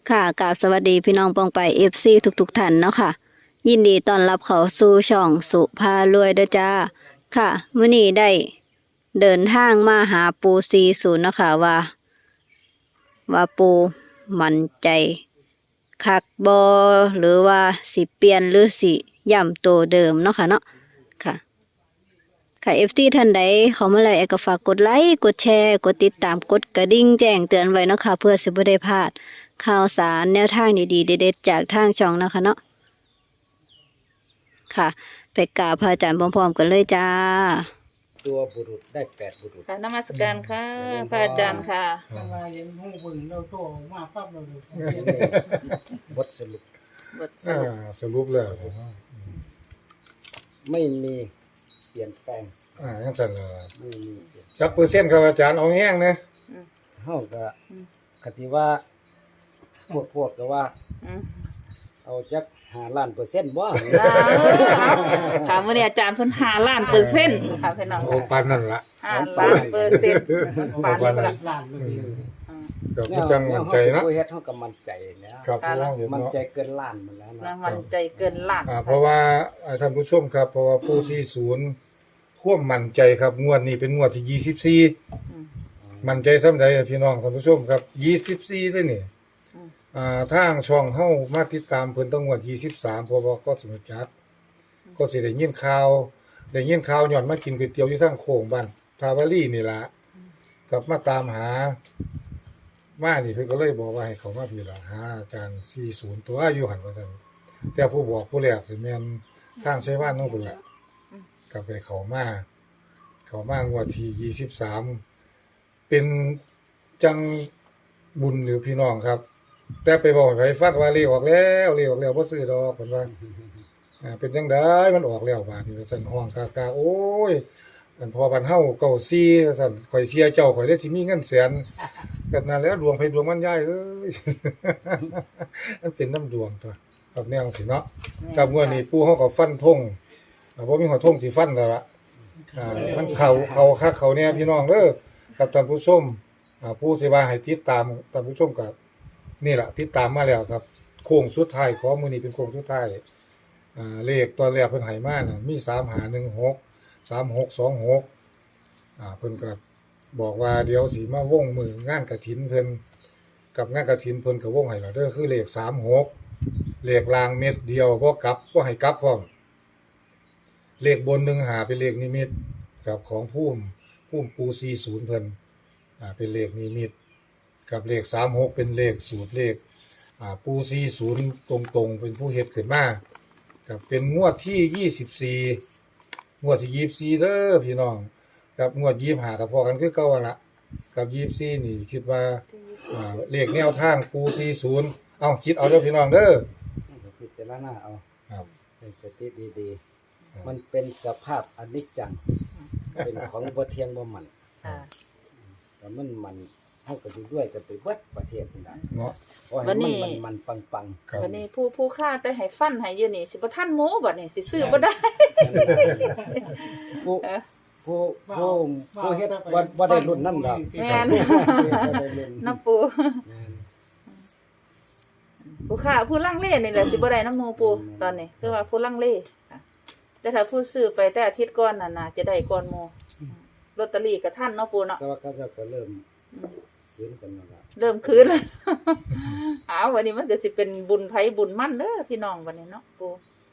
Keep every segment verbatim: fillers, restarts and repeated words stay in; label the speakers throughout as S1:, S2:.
S1: ค่ะกราบสวัสดีพี่น้องปองไป เอฟ ซี ทุกๆท่านเนาะค่ะยินดีต้อนรับเข้าสู่ช่องสุภารวยเด้อจ้าค่ะมื้อนี้ได้เดินทางมาหาปูสี่สิบเนาะค่ะว่า ว่าปูมั่นใจคักบ่หรือว่าสิเปลี่ยนหรือสิย้ำตัวเดิมเนาะค่ะเนาะค่ะ ค่ะ เอฟ ซี ท่านใดเขามาแล้วก็ฝากกดไลค์กดแชร์กดติดตามกดกระดิ่งแจ้งเตือนไว้เนาะค่ะเพื่อสิบ่ได้พลาดข่าวสารแนวทางดีๆเด็ดๆจากทางช่องเนาะค่ะเนาะค่ะไปกราบพระอาจารย์พร้อมๆกันเลยจ้า
S2: ตัวบุรุษได้แปดบุรุษ
S3: ค่ะนมัสการค่ะพระอาจารย์ค่ะ
S4: ทำไมเห็นหูบึงเราโตมาปั๊บเราเลย
S2: บทสรุป
S3: บทส
S5: อ่า
S3: รุป
S5: สรุปแล้ว
S2: ไม่มีเปลี่ยนแปลง
S5: อ่ายังสั่นเลย
S2: ไม่มีเปลี่ยน
S5: จักเปอร์เซ็นต์ครับอาจารย์เอาแห้งนะ
S2: เฮาก็คติว่าพวกพวกก็ว่า
S3: อืม
S2: เอาจักห้าล้านเปอร์เซ็นต์บ่
S3: ลาเออค่ะมื้อนี้อาจารย์เพิ่นห้าล้านเปอร์เซ็นต์ค่ะพี่น้อง
S5: โอ้ปานนั่นละ
S3: ห้าล้านเปอร์เซ็นต์ปานนี้ล่ะ
S4: ล้านเลย
S5: ก็คือจังมั่นใจเนาะ
S2: ผู้เฮ็ดเฮาก็มั่นใจนะครับ
S5: เพราะว่าเห็น
S2: มั่น
S5: เนาะ
S2: ใจเกินล้านหมดแล้ว
S3: นะ
S2: นะ
S3: มันใจเกินล้าน
S5: อ่าเพราะว่าอ่าท่านผู้ชมครับเพราะว่าผู้สี่สิบท่วมมั่นใจครับงวดนี้เป็นงวดที่ยี่สิบสี่มั่นใจส่ำใดอะพี่น้องท่านผู้ชมครับยี่สิบสี่เด้อนี่อ่าทางช่องเฮามาติดตามเพิ่นตั้งงวดยี่สิบสามเพราะว่าก็สมจัดก็สิได้ยินข่าวได้ยินข่าวย้อนมากินก๋วยเตี๋ยวอยู่ทางโค้งบ้านทาวารีนี่ล่ะกลับมาตามหามานี่เพิ่นก็เลยบอกว่าให้เขามาพี่ล่ะหาอาจารย์สี่สิบตัวอยู่หั่นว่าซั่นแต่ผู้บอกผู้แรกสิแม่นทางไชยวานนำพุ่นล่ะกลับไปเขามาเขามางวดที่ยี่สิบสามเป็นจังบุญหรือพี่น้องครับ แต่ไปบอกให้ฟังว่าเลขออกแล้วเลขออกแล้วบ่ซื้อดอกเพิ่นว่าอ่าเป็นจังได๋มันออกแล้วบาดนี้ว่าซั่นห้องกากาโอ้ยอันพอบ้านเฮาเก้าสี่ว่าซั่นข่อยเสียเจ้าข่อยได้สิมีเงินแสนแบบนั้นแล้วดวงไผดวงมันยายเอ้ย มันเป็นน้ำดวงตัวกับแนวสิเนาะกับงวดนี้ปู่เฮาก็ฟันธงอ่าบ่มีหัวธงสิฟันแล้วล่ะอ่ามันเข้าเข้าคักเข้าแน่พี่น้องเด้อกับท่านผู้ชมอ่าผู้สิว่าให้ติดตามท่านผู้ชมก็นี่ล่ะติดตามมาแล้วครับโค้งสุดท้ายของมื้อนี้เป็นโค้งสุดท้ายอ่าเลขตอนแรกเพิ่นให้มาน่ะมีสาม ห้า หนึ่ง หก สาม หก สอง หกอ่าเพิ่นก็บอกว่าเดี๋ยวสิมาวงมืองานกฐินเพิ่นกับงานกฐินเพิ่นก็วงให้แล้วเด้อคือเลขสาม หกเลขรางเม็ดเดียวบ่กลับบ่ให้กลับพร้อมเลขบนหนึ่งหาเป็นเลขนิมิตกับของภูมิภูมิปูสี่สิบเพิ่นอ่าเป็นเลขนิมิตกับเลขสาม หกเป็นเลขสูตรเลขอ่าปูสี่สิบตรงๆเป็นผู้เฮ็ดขึ้นมากับเป็นงวดที่ยี่สิบสี่งวดที่ยี่สิบสี่เด้อพี่น้องกับงวดยี่สิบห้าก็พอกันคือเก่าหั่นล่ะกับยี่สิบสี่นี่คิดว่าอ่าเลขแนวทางปูสี่สิบเอ้าคิดเอาเด้อพี่น้องเด้อ
S2: พิจารณาเอา
S5: ครับ
S2: ให้สติดีๆมันเป็นสภาพอนิจจังเป็นของบ่เที่ยงบ่มัน
S3: ค่ะ
S2: แต่มันมันเฮาก็สิด้วยกันไปเบิดประเทศนี่ล่ะ
S5: เนาะ
S2: โอ้ยมันมันมันปัง
S5: ครับ
S3: วันนี้ผู้ผู้ค่าแต่ให้ฟันให้อยู่นี่สิบ่ทันหมูบัดนี้สิซื้อบ่ได้
S2: ๆผู้ผู้ผู้ผู้เฮ็ดบ่บ่ได้รุ่นนั่นดอก
S3: แม่น
S2: บ่ได้รุ่น
S3: น้ำปูผู้ค่าผู้ลังเลนี่แหละสิบ่ได้น้ำหมูปูตอนนี้คือว่าผู้ลังเลค่ะแต่ถ้าผู้ซื้อไปแต่อาทิตย์ก่อนน่ะน่าจะได้ก่อนหมู่ลอตเตอรี่ก็ทันเนาะปูเนาะ
S2: แต่ว่าเขาเจ้าก็เริ่มคืนกันแล้วล่ะ
S3: เริ่มคืนแล้ว อ้าววันนี้มันก็สิเป็นบุญไผบุญมั่นเด้อพี่น้องวันนี้เนาะปู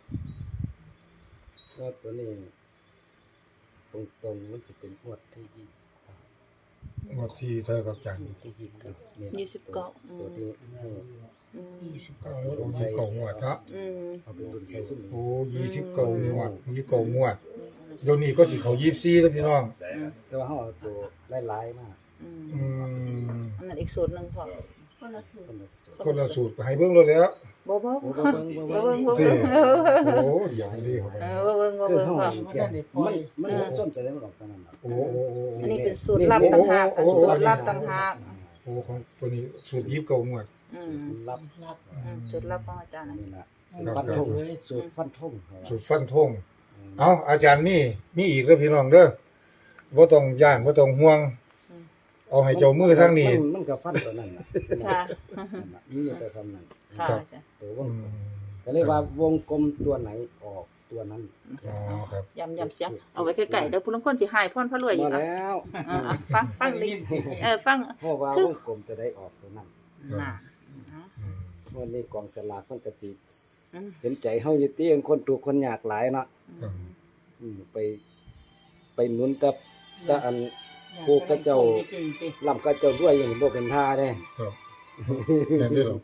S2: ก็ตัวนี้ตรงๆมันสิเป็นงวดที่ยี่สิบเก้าง
S5: วดที่เท่ากับจันทร์
S2: ที่ยี่สิบเก้านี่
S3: ยี่สิบเก้าอื
S2: ตัว
S3: ม
S2: ที่เออ
S3: อืม
S5: ยี่สิบเก้างวดของสิบเก้างวดเนาะ
S3: อืม
S2: เอาไปรุ่นใช้ซุ่ม
S5: โอ้ยี่สิบเก้างวดยี่สิบเก้างวดเดี๋ยวนี้ก็สิเขายี่สิบสี่แล้วพี่น้อง
S2: แต่ว่าเฮาเอาตัวหลายๆมา
S3: อืม
S5: อืม
S3: อันนั้นอีกสูตรหนึงพอคนละสูตร
S2: คนละส่วน
S5: คนละสูตรให้เบิ่งเลยแหล้ว
S3: บ่บ่
S2: โอ้
S3: บ่
S2: บ่เบิ่งบ่
S3: บ่
S2: เบิ่ง
S3: เบิ่งบ่
S5: ติ
S3: เบิ่ง
S5: โอ้อย่างนี้เข้าไป
S3: เออบ่เบิ่งบ่
S2: คือ
S3: เบิ่ง
S2: เฮา
S3: พอ
S2: เขียนมันมันบ่ส้นแสดงออกเท่านั้นดอก
S5: โอ้โอ้โอ้
S3: อันนี้เป็นสูตรลับต่างหากเป็นสูตรลับต่างหาก
S5: โอ้ของตัวนี้สูตรยี่สิบเก้างวด
S3: อืม
S2: รับ
S4: รับ
S3: อืมสูตรลับของอาจารย์น่ะ
S2: นี่ล่ะ
S5: ครับ
S2: ฟันธงสูตรฟันธง
S5: สูตรฟันธงเอ้าอาจารย์มีมีอีกเด้อพี่น้องเด้อบ่ต้องย่านบ่ต้องห่วงเอาให้เจ้ามือทางนี้
S2: มันมันก็ฟันตัวนั้นน่ะ
S3: ค่ะ
S2: นั่นน่ะนี่แต่ซ้ำนั้น
S3: ค่ะ
S5: ครับ
S3: จ้ะ
S2: ตัวว
S5: อื
S2: ง
S5: ม
S2: ก็เลยว่าวงกลมตัวไหนออกตัวนั้น
S5: อ๋อครับ
S3: ยำยำเสียงเอาไว้ใกล้ๆเดี๋ยวผู้ลางคนสิหายพ่อนพระรวยอี
S2: มาก
S3: อ่ะ
S2: แล้ว
S3: อ่าๆฟังฟังดิเออฟัง
S2: เพราะว่าวงกลมจะได้ออกตัวนั้น
S3: น่ะ
S5: อืม
S2: วันนี้กองสลากมันก็สิ
S3: อืม
S2: เห็นใจเฮาอยู่ติคนทุกข์คนยากหลายเนาะ
S5: ครับ
S2: อืมไป ไปหนุนกับตะอัน ผู้ก็เจ้า ลำก็เจ้าด้วยอย่างบ่เป็นท่าเด้
S5: ครับแม่นเด้อเหรอ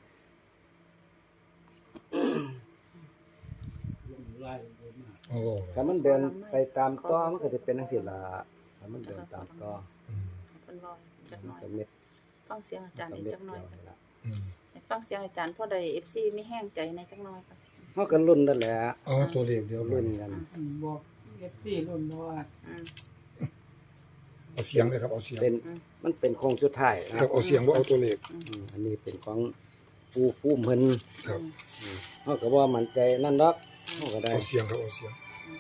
S5: โอ้
S2: ถ้ามันเดินไปตามต่อมันก็จะเป็นจังซี่ล่ะถ้ามันเดินตามต่อ
S5: อืม
S3: เพิ่นรอจักหน่อย
S2: ก็เม็ด
S3: ฟังเสียงอาจารย์
S2: ก็
S3: อีก
S2: เม็ด
S3: จักหน่อย
S2: เดียวนี่ล่ะ
S5: อืม
S3: ฟังเสียงอาจารย์พอได้ เอฟ ซี มีแห้งใจในจักหน่อยค่ะ
S2: เฮาก็ลุ้นนั่นแหละ
S5: เอาตัวเลขเดียว
S2: ลุ้นกัน
S4: บอกเอฟซีรุ่นเพราะว่า
S3: อืม
S5: เอาเสียงเลยครับเอาเสียง
S2: เป็นมันเป็นโค้งสุดท้ายนะครับ
S5: เอาเสียงว่าเอาตัวเลข
S2: อืมอันนี้เป็นของปูปูเพิ่น
S5: ครับ
S2: เฮาก็บ่มั่นใจนั่นดอกเฮาก็ได้
S5: เอาเสียงครับเอาเสียง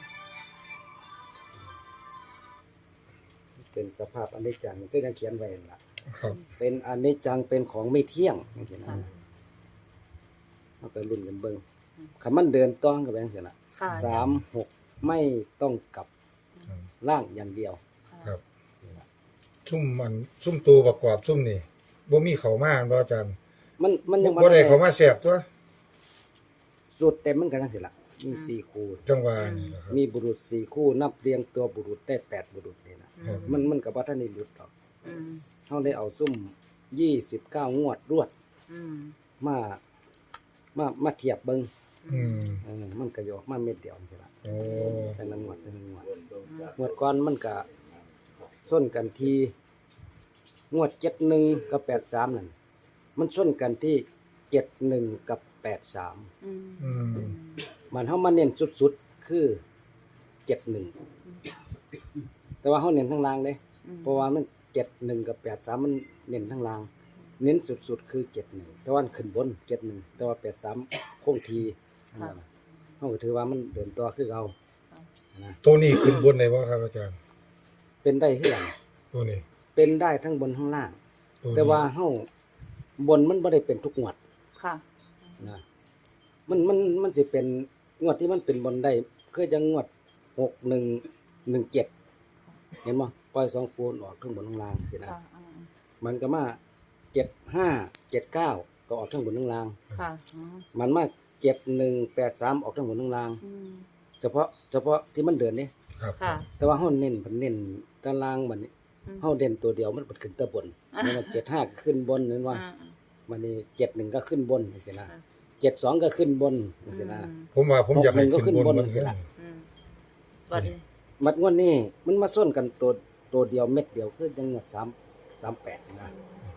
S2: เป็นสภาพอนิจจังก็ยังเขียนไว้นั่นล่ะ
S5: ครับ
S2: เป็นอนิจจังเป็นของไม่เที่ยงจังซี่นะเฮาก็ลุ้นกันเบิ่งคันมันเดินต้องก็เป็นจังซี่ล่ะ
S3: ค่ะ
S2: สามหกไม่ต้องกลับล่างอย่างเดียว
S5: ครับซุ่มมันซุ่มตัวประกอบซุ่มนี่บ่มีเขามาบ่อาจารย์
S2: มันมันยัง
S5: บ่ได้เขามาแสบตัว
S2: สุดเต็มมันก็จังซี่ล่ะมีสี่คู่
S5: จังหวะนี่แหละครับ
S2: มีบุรุษสี่คู่นับเรียงตัวบุรุษได้แปดบุรุษนี่นะครับ มันมันก็บ่ทันได้หลุดหรอก
S3: อืม
S2: เฮาได้เอาซุ่มยี่สิบเก้างวดรวด
S3: อืม
S2: มามามาเทียบเบิ่ง
S5: อืม
S2: เออมันก็อยออกมาเม็ดเดียวจังซี่ล่ะ
S5: โอ้
S2: แต่ละงวดแต่ละงวดงวดก่อนมันก็ส้นกันที่งวดเจ็ดหนึ่งกับแปดสามนั่นมันส้นกันที่เจ็ดหนึ่งกับแปดสาม
S3: อืม
S5: อืม
S2: มันเฮามาเน้นสุดๆคือเจ็ดหนึ่งแต่ว่าเฮาเน้นทั้งล่างเด้เพราะว่ามันเจ็ดหนึ่งกับแปดสามมันเน้นทั้งล่าง เน้นสุดๆคือเจ็ดหนึ่งแต่ว่าขึ้นบนเจ็ดหนึ่งแต่ว่าแปดสามคงทีนั่นน่ะเฮาก็ถือว่ามันเดินต่อคือเก่านะ
S5: ตัวนี้ขึ้นบนได้บ่ครับอาจารย์
S2: เป็นได้คือกัน
S5: ตัวนี้
S2: เป็นได้ทั้งบนทั้งล่าง
S5: ตัวนี้
S2: แต่ว่าเฮาบนมันบ่ได้เป็นทุกงวด
S3: ค่ะ
S2: นะมันมันมันสิเป็นงวดที่มันเป็นบนได้คือจังงวดหกหนึ่งหนึ่งเจ็ดเห็นบ่ปล่อยสองปูนออกทั้งบนทั้งล่างสินะ
S3: ค่ะอืม
S2: มันก็มาเจ็ดห้าเจ็ดเก้าก็ออกทั้งบนทั้งล่าง
S3: ค่ะอืม
S2: มันมาเจ็ดหนึ่งแปดสามออกทั้งบนทั้งล่าง
S3: อืม
S2: เฉพาะเฉพาะที่มันเดินนี่
S5: ครับ
S3: ค่ะ
S2: แต่ว่าเฮาเน้นเพิ่นเน้นตารางบัดนี้
S3: อืม
S2: เฮาเด่นตัวเดียวมันเปิดขึ้นแตะบนแล้วมันเจ็ดห้าก็ขึ้นบนนั่นว่า
S3: อ่า
S2: มันนี่เจ็ดหนึ่งก็ขึ้นบนจังซี่นะ
S3: อ่า
S2: เจ็ดสองก็ขึ้นบนจังซี่นะ
S5: ผมว่าผมอยากให้
S2: หกหนึ่งก็ขึ้
S5: ขึ้น
S2: น
S5: บบ น
S2: น
S5: มัน
S2: สิล่ะ
S3: อืมบัดนี้
S2: มัดงวดนี้มันมาส้นกันตัวตัวเดียวเม็ดเดียวคือจังงวดสามสามแปดนะ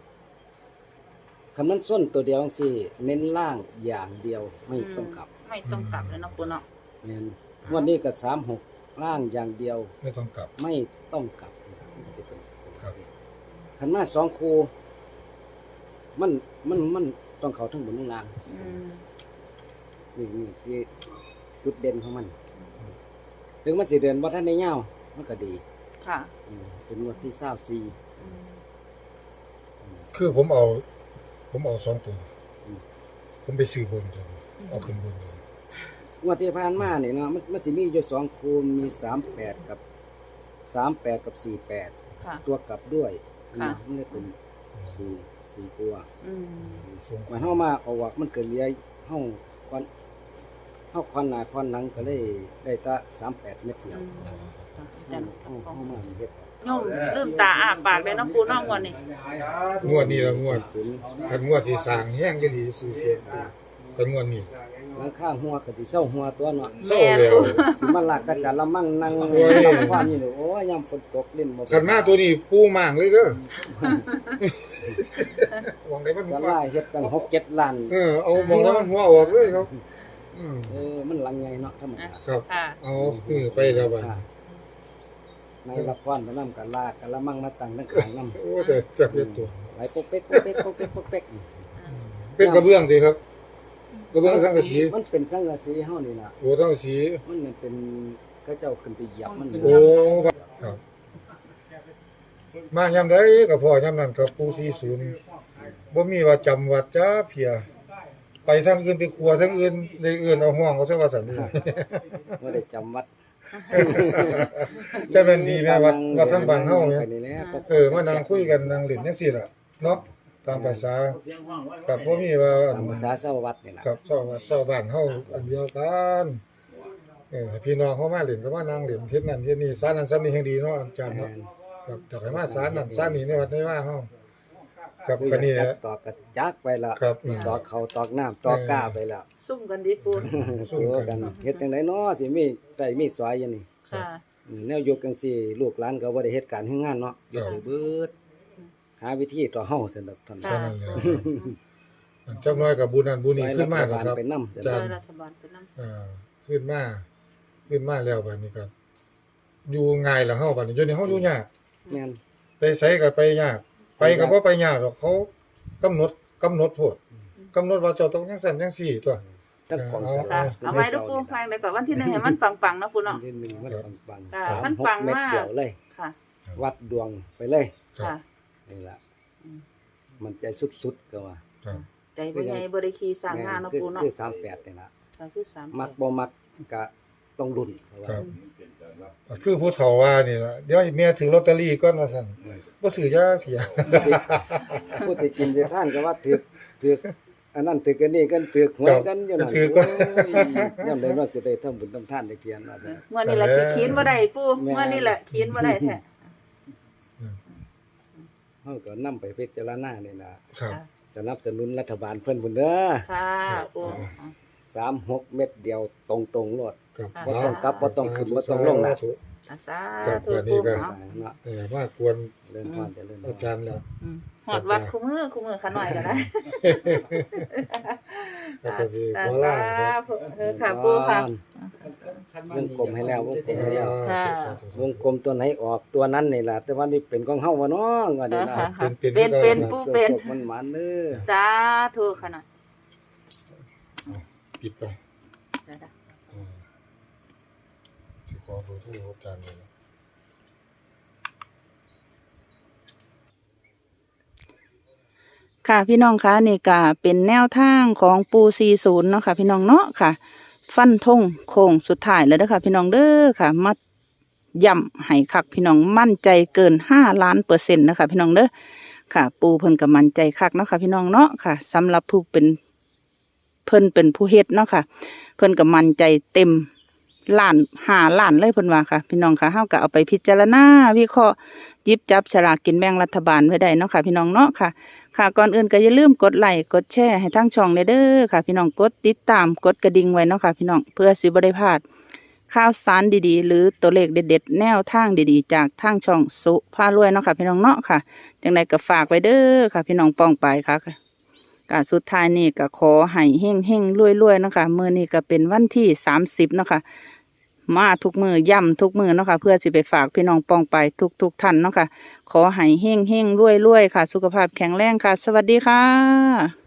S2: คันมันส้นตัวเดียวจังซี่ เน้นล่างอย่างเดียวไม่ต้องกลับ
S3: ไม่ต้องกลับเลยเนาะปูเนาะ
S2: แม่นงวดนี้ก็สามหกล่างอย่างเดียว
S5: ไม่ต้องกลับ
S2: ไม่ต้องกลับมันจะเป็น
S5: ครับ
S2: คันมาสองคู่มันมันมันต้องเข้าทั้งบนทั้งล่าง
S3: อืม
S2: นี่นี่คือจุดเด่นของมัน ถึงมันสิเดินบ่ทันได้ยาวมันก็ดี
S3: ค่ะ
S2: อืมเป็นงวดที่เศร้าซี
S3: อืม
S5: คือผมเอา ผมเอาสองตัว ผมไปซื้อบนตัวนี้เอาขึ้นบนตัวนี้
S2: งวดที่ผ่านมานี่เนาะมันมันสิมีอยู่สองคูณมีสามแปดกับสามแปดกับสี่แปด
S3: ค่ะ
S2: ตัวกลับด้วย
S3: ค่ะ
S2: นะมันเลยเป็นสี่สี่ตัว
S3: อืม
S5: ส่ง
S2: มันเฮามาเอาวักมันเกิดเหลียเฮาควันเฮาควันหน้าควันหลังก็เลยได้แตะสามแปดเม็ดเดียว
S3: อืมค่ะอาจารย์
S2: เฮาเฮามาเฮ็ด
S3: โยมลืมตาอ้าปากเลยเนาะปูเนาะงวดนี้
S5: งวดนี้ละงวด
S2: สิน
S5: คันงวดสิสร้างแห้งจะดีซื้อเสียงแต่งวดนี้
S2: หลังข้างหัวก็สิเศร้าหัวตัวเนาะ
S5: เศร้าแล้ว
S2: สิมาลากกะกะละมั่งนั่ง
S5: โอ้ย
S2: ทำความนี่เลยโอ้ยยามฝนตกเล่นบ่
S5: คันมาตัวนี้ปูมางเลยเด้อหวังได้มัน
S2: จะล่าเฮ็ดตั้งหกเจ็ดล้าน
S5: เออเอามองแล้วมันหัวออกเลยครับอืม
S2: เออมันหลังใหญ่เนาะธรรมดา
S5: ครับ
S3: ค่ะ
S5: เอาเออไปแล้วบัด
S2: ค่ะในรับพรไปนำกันลากกะละมั่งมาตั้งทั้งขางนำ
S5: โอ้แต่จับเป็นตัว
S2: ไหลปกเป๊กปกเป๊กปกเป๊กปกเป๊ก
S5: เป็นกระเบื้องสิครับ กระเบื้องสังกะสี
S2: มันเป็นสังกะสีเฮานี่ล่ะ
S5: โอ้สังกะสี
S2: มันเป็นเขาเจ้าขึ้นไปเหยียบมัน
S5: โอ้ครับมายามใดก็พอยามนั้นกับปู่สี่สิบบ่มีว่าจำวัดจักเที่ยไปทางอื่นไปครัวทางอื่นได้อื่นเอาห้องเขาซะว่าซั่นนี่
S2: บ่ได้จำวัด
S5: แต่แม่นดีแม่วัดวัดทางบ้านเฮาเนี่ย
S2: ไปนี่แหละก็
S5: เออมานั่งคุยกันนั่งเล่นจังซี่ล่ะเนาะตามภาษากับบ่มีว่าอั
S2: ตาม
S5: น
S2: ภาษาชาววัดนี่ล่ะ
S5: กับชาววัดชาวบ้านเฮาอันเดียวกันเออให้พี่น้องเขามาเล่นก็มานั่งเล่นเฮ็ดนั่นเฮ็ดนี่สานนั้นสานนี้แห่งดีเนาะอาจารย์เนาะครับอยากให้มาสานนั่นสานนี้ในวัดในว่าเฮากับกันนี่แหละ
S2: ตอกกระจักไปแล้ว
S5: ครับ
S2: ตอกเขาตอกน้ำตอกก้าไปแล้ว
S3: ซุ่มกันดีปู
S2: สู้กันเฮ็ดจังไดเนาะสิมีใส่มีดสอยอยู่นี่
S3: ค่ะ
S2: อืมแนวอยู่จังซี่ลูกหลานก็บ่ได้เฮ็ดการเฮ็ดงานเนาะอยู่ให้เบิดหาวิธีต่อเฮาซั่นดอกท่าน
S5: แค่นั้นแหละอันจักหน้อยกับบุญนั้นบุญนี้ขึ้นมาแล้วครับ
S2: ไปนำ
S5: อา
S3: ช่
S5: จาร
S3: วย
S5: ย์
S3: รัฐบาลไปนำ
S5: อ่าขึ้นมาขึ้นมาแล้วบัดนี้ก็อยู่ง่ายแล้วเฮาบัดนี้อยู่นี่เฮาอยู่ยาก
S2: แม่น
S5: ไปไสก็ไปยาก ไปก็บ่ไปยากหรอกเขากำหนดกำหนดโพดกำหนดว่าเจ้าต้องจังซั่นจังซี่ตัว
S2: ทั้งของส
S3: ค่ะ
S2: ลาก
S3: เอาไว้ลูกปูฟังได้ก่อนวันที่หนึ่งให้มันปังๆเนาะปูเนาะ
S2: ที่หนึ่งมันปัง
S3: ค่ะ
S2: ๆ
S3: มัน
S2: สามหก
S3: ปัง
S2: เม็ด
S3: มาก
S2: เดียวเลย
S3: ค่ะ
S2: วัดดวงไปเลย
S3: ค่ะ
S2: นี่ล่ะ
S3: อืม
S2: มันใจสุดๆก็ว่า
S5: ครับ
S3: ใจบ่ใหญ่บ่ได้ขี่สร้างงานเนาะ
S2: คือ
S3: ปูเนาะ
S2: คือสามแปดนี่ล่ะ
S3: ค่ะคือสาม
S2: มักบ่มักก็ต้องลุ้นว่า
S5: ครับคือผู้เฒ่าว่านี่ล่ะเดี๋ยวให้แม่ถือลอตเตอรี่ก่อนว่าซั่นบ่ซื้อยาเสีย
S2: ผู้ที่กินสิท่านก็ว่าถือถืออันนั้นถือกันนี่กันถือหวยกันอยู่นั่น
S5: ถือก็
S2: โอ้ยยามใดว่าสิได้ทำบุญทำทานได้เพียนว่าซั่น
S3: เมื่อนี้แหละสิขีนบ่ได้ปู
S2: แม่
S3: เมื่อนี้แหละขีนบ่ได้แท้
S2: เฮาก็นำไปพิจารณานี่ล่ะ
S5: ครับ
S3: ค่ะ
S2: สนับสนุนรัฐบาลเพิ่นพุ่นเด้อ
S3: ค่ะปู
S2: สามหกเม็ดเดียวตรงๆโลด
S5: ครับ
S2: บ่ต้องกลับบ่ต้องขึ้นบ่ต้องลงนะ
S3: อาสา
S5: ครับ
S3: ธุ
S5: วันนี้
S3: ปู
S5: ก็
S3: เอา
S2: เนาะ
S5: เออมากวน
S2: เดินพรเจริญพร
S5: อาจารย์แล้ว
S3: อืมหอดวัดคู่มือคู่มือขาหน่อยก็ได้
S5: ก็ก็สิ
S3: สา
S5: ขอลาครับ
S3: ธุเออค่ะปูค่ะ
S2: วงกลมให้แล้ววงกลมให้แล้ว
S3: ค่ะ
S2: วงกลมตัวไหนออกตัวนั้นนี่ล่ะแต่ว่านี่เป็นของเฮาบ่เนาะว่านี่นะ
S3: ค่ะ
S5: เป็นเป็น
S3: เป็นเป็น ผู้เป็น
S2: สุขมันหมานเด้อ
S3: สาธุขาหน่อย
S5: ปิดไป
S3: เดี๋ยวนะ
S5: อืมสิขอเบอร์โทรอาจารย์เลยนะ
S3: ค่ะพี่น้องคะนี่ก็เป็นแนวทางของปูสี่สิบเนาะค่ะพี่น้องเนาะค่ะ ฟันธงโค้งสุดท้ายแล้วเด้อค่ะพี่น้องเด้อค่ะมาย่ำให้คักพี่น้องมั่นใจเกินห้าล้านเปอร์เซ็นต์นะคะพี่น้องเด้อค่ะ ปูเพิ่นก็มั่นใจคักเนาะค่ะพี่น้องเนาะค่ะสำหรับผู้เป็นเพิ่นเป็นผู้เฮ็ดเนาะค่ะ เพิ่นก็มั่นใจเต็มล้านห้าล้านเลยเพิ่นว่าค่ะพี่น้องค่ะเฮาก็เอาไปพิจารณาวิเคราะห์หยิบจับฉลากกินแบ่งรัฐบาลไว้ได้เนาะค่ะพี่น้องเนาะค่ะ ค่ะก่อนอื่นก็อย่าลืมกดไลค์กดแชร์ให้ทั้งช่องเด้อค่ะพี่น้องกดติดตามกดกระดิ่งไว้เนาะค่ะพี่น้องเพื่อสิบ่ได้พลาดข่าวสารดีๆ หรือตัวเลขเด็ดๆแนวทางดีๆ จากทางช่องสุภารวยเนาะค่ะพี่น้องเนาะค่ะจังใดก็ฝากไว้เด้อค่ะพี่น้องป้องไปค่ะก็สุดท้ายนี่ก็ขอให้เฮ่งเฮ่งรวยรวยๆเนาะค่ะมื้อนี้ก็เป็นวันที่สามสิบเนาะค่ะมาทุกมือย่ำทุกมือเนาะค่ะเพื่อสิไปฝากพี่น้องป้องไปทุกๆท่านเนาะค่ะขอให้เฮ่งเฮ่งรวยรวยๆค่ะ สุขภาพแข็งแรงค่ะ สวัสดีค่ะ